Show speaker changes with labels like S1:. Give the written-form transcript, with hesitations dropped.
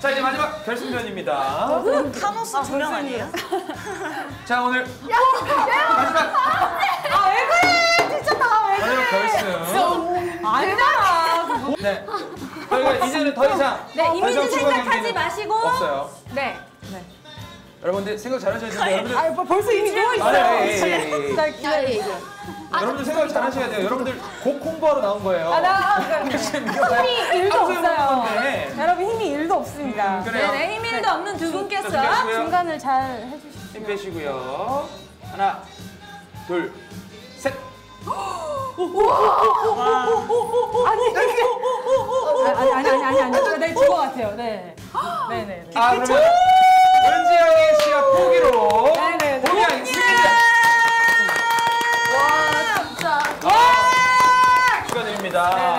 S1: 자, 이제 마지막 결승전입니다.
S2: 타노스 두 명 아니에요?
S1: 자, 오늘 마지막.
S3: 아, 왜 그래? 진짜 다 왜 그래?
S1: 마지막 결승.
S3: 아니잖아.
S1: 네. 저희가 이제는 더 이상.
S3: 네,
S1: 더 이상
S3: 이미지
S1: 추가
S3: 생각하지
S1: 경기는
S3: 마시고.
S1: 없어요.
S3: 네.
S1: 여러분들 생각 잘하셔야 돼요. 여러분들.
S3: 아, 벌써 이미 누워
S1: 아,
S3: 있어요.
S1: 예.
S3: 자, 기다려.
S1: 여러분들 생각 잘하셔야 돼요. 여러분들 곡 홍보하러 나온 거예요.
S3: 힘이 1도 없어요.
S1: 건데.
S3: 여러분 힘이 1도 없습니다.
S1: 그래요.
S3: 네, 힘이 1도 없는 두 분께서
S1: 준비하시고요.
S3: 중간을 잘 해주십시오.
S1: 힘 빼시고요. 하나, 둘, 셋.
S3: 아니, 네, 죽어 같아요. 네. 네네.
S1: 아, 그러면 은지영의 시합 포기로
S3: 네네.
S1: 포기하겠습니다.
S2: 와 진짜.
S1: 축하드립니다.